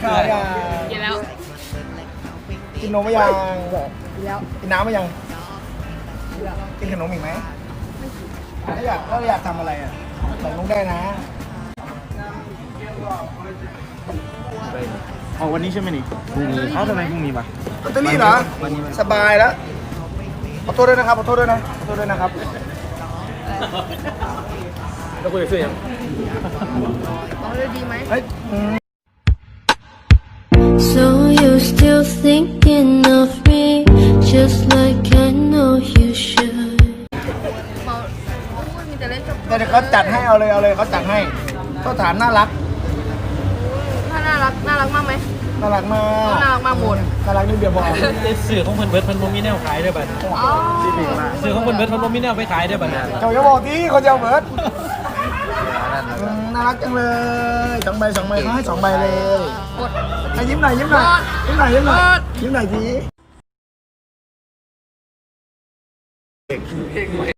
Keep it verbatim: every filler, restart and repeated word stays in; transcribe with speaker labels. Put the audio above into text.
Speaker 1: ข้าวยัง
Speaker 2: กินแล้ว
Speaker 1: กินนมไม่ยัง
Speaker 2: กินแล้ว
Speaker 1: กินน้ำไม่ยังกินขนมอีกไหมถ้าอยากถ้าอยากทำอะไรอ่ะบอกลุงได้นะ
Speaker 3: เอาวันนี้ใช่ไหมนี่พรุ่งนี้เอาทำไมพรุ่งนี้ปะ
Speaker 1: ลอตเตอรี่เหรอสบายแล้วขอโทษด้วยนะครับขอโทษด้วยนะขอโทษด้วยนะครับ
Speaker 3: แล้วคุยกับเสื้อยัง
Speaker 2: เอาเลยดีไหม
Speaker 1: เฮ้ยอืม
Speaker 4: So you're still thinking of me, just like I know you should.
Speaker 2: เมาโอ้ยมีแต่เล่นกับ
Speaker 1: เดี๋ยวเขาจัดให้เอาเลยเอาเลยเขาจัดให้เขาถามน่ารัก
Speaker 2: ถ้าน่ารักน่ารักมากไหม
Speaker 1: น่ารักมาก
Speaker 2: น่ารักมากหมด
Speaker 1: น่ารักนี่เดียวพอ
Speaker 3: สื่อของเพิ่นเบิร์ดเพิ่นบ่มีแนวขายด้วยบัด
Speaker 2: อ๋อ
Speaker 3: สื่อของเพิ่นเบิร์ดเพิ่นบ่มีแนวไปขายด้วยบัดเนี่ย
Speaker 1: เจ้าอย่าบอกที่คนเดียวเบิร์ดอืมน่ารักจังเลยสองใบสองใบเขาให้สองใบเลย
Speaker 2: กด
Speaker 1: ให้ยิ้มหน่อยยิ้มหน่อยยิ้มหน่อยยิ้มหน่อย
Speaker 2: เบิร์ด
Speaker 1: ยิ้มหน่อยสิ